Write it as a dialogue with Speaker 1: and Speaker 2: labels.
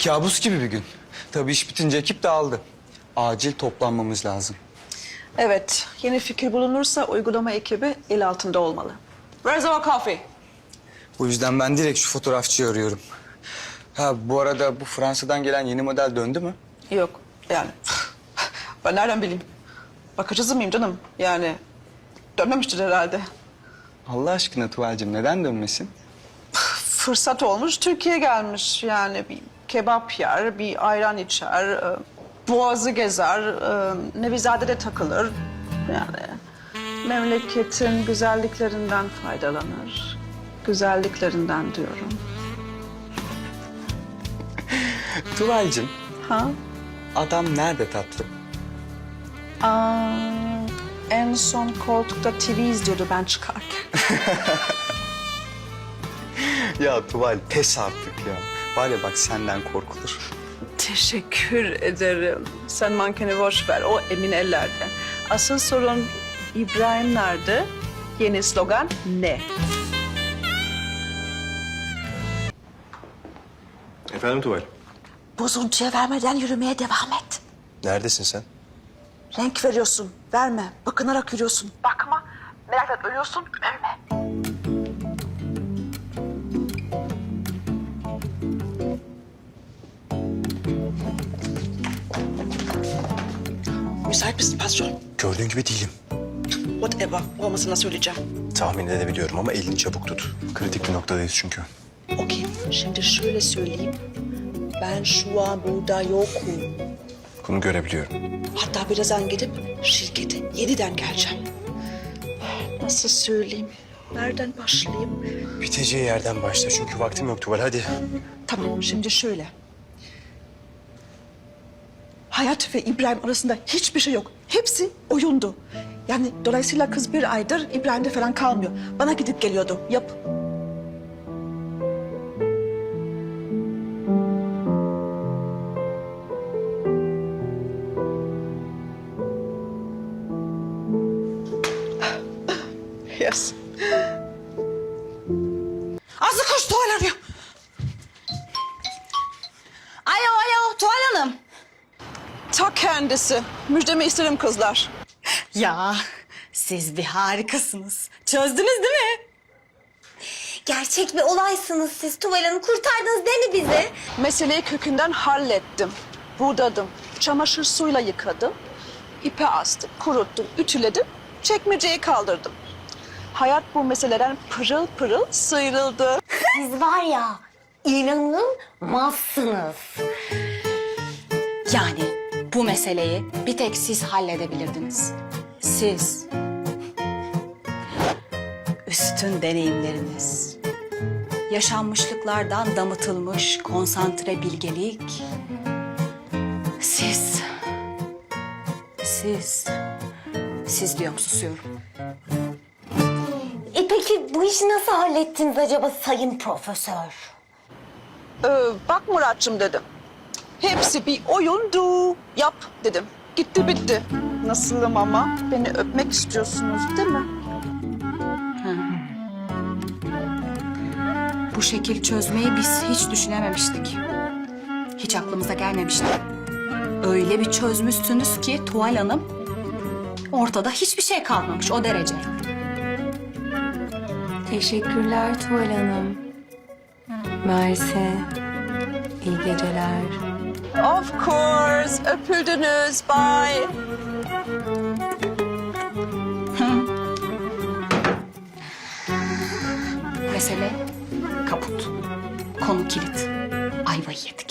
Speaker 1: Kabus gibi bir gün. Tabii iş bitince ekip dağıldı. Acil toplanmamız lazım.
Speaker 2: Evet, yeni fikir bulunursa uygulama ekibi el altında olmalı. Where's our coffee?
Speaker 1: Bu yüzden ben direkt şu fotoğrafçıyı arıyorum. Ha bu arada bu Fransa'dan gelen yeni model döndü mü?
Speaker 2: Yok, yani ben nereden bileyim? Bakıcısı mıyım canım? Yani dönmemiştir herhalde.
Speaker 1: Allah aşkına Tuval'cığım neden dönmesin?
Speaker 2: Fırsat olmuş, Türkiye'ye gelmiş. Yani bir kebap yer, bir ayran içer, boğazı gezer, Nevizade'de takılır. Yani memleketin güzelliklerinden faydalanır. Güzelliklerinden diyorum.
Speaker 1: Tuval'cığım
Speaker 2: Ha?
Speaker 1: adam nerede tatlı?
Speaker 2: En son koltukta TV izliyordu ben çıkarken.
Speaker 1: Ya Tuval pes artık ya. Var ya bak senden korkulur.
Speaker 2: Teşekkür ederim. Sen mankeni boş ver, o emin ellerde. Asıl sorun İbrahim nerede? Yeni slogan ne?
Speaker 3: Efendim Tuval?
Speaker 2: Bozuntuya vermeden yürümeye devam et.
Speaker 3: Neredesin sen?
Speaker 2: Renk veriyorsun, verme. Bakınarak yürüyorsun. Bakma, merakla ölüyorsun, ölme. Müsait misin patron?
Speaker 3: Gördüğün gibi değilim.
Speaker 2: Whatever, olmasına söyleyeceğim.
Speaker 3: Tahmin edebiliyorum ama elini çabuk tut. Kritik bir noktadayız çünkü.
Speaker 2: Okey, şimdi şöyle söyleyeyim. Ben şu an burada yokum.
Speaker 3: Bunu görebiliyorum.
Speaker 2: Hatta birazdan gidip şirkete yeniden geleceğim. Nasıl söyleyeyim? Nereden başlayayım?
Speaker 3: Biteceği yerden başla çünkü vaktim yok Tuval hadi.
Speaker 2: Tamam, şimdi şöyle. Hayat ve İbrahim arasında hiçbir şey yok. Hepsi oyundu. Yani dolayısıyla kız bir aydır İbrahim'de falan kalmıyor. Bana gidip geliyordu. Yap. Yes. Azı koş, Tuval arıyor.
Speaker 4: Alo, Tuval Hanım.
Speaker 2: Ta kendisi. Müjdemi isterim kızlar.
Speaker 4: Ya, siz bir harikasınız. Çözdünüz değil mi?
Speaker 5: Gerçek bir olaysınız siz. Tuval Hanım kurtardınız değil mi bizi?
Speaker 2: Meseleyi kökünden hallettim. Budadım. Çamaşır suyla yıkadım. İpe astım, kuruttum, ütüledim. Çekmeceyi kaldırdım. Hayat bu meseleden pırıl pırıl sıyrıldı.
Speaker 5: Siz var ya inanılmazsınız.
Speaker 4: Yani bu meseleyi bir tek siz halledebilirdiniz. Siz. Üstün deneyimleriniz. Yaşanmışlıklardan damıtılmış konsantre bilgelik. Siz. Siz diyorum, susuyorum.
Speaker 5: Peki bu işi nasıl hallettiniz acaba sayın profesör?
Speaker 2: Bak Muratçım dedim. Hepsi bir oyundu. Yap dedim. Gitti bitti. Nasılım ama? Beni öpmek istiyorsunuz değil mi?
Speaker 4: Bu şekil çözmeyi biz hiç düşünememiştik. Hiç aklımıza gelmemişti. Öyle bir çözmüşsünüz ki Tuval Hanım, ortada hiçbir şey kalmamış o derece.
Speaker 6: Teşekkürler Tuval Hanım. Mersi. İyi geceler.
Speaker 2: Of course. Öpüldünüz. Bye.
Speaker 4: Mesele kaput. Konu kilit. Ayvayı yedik.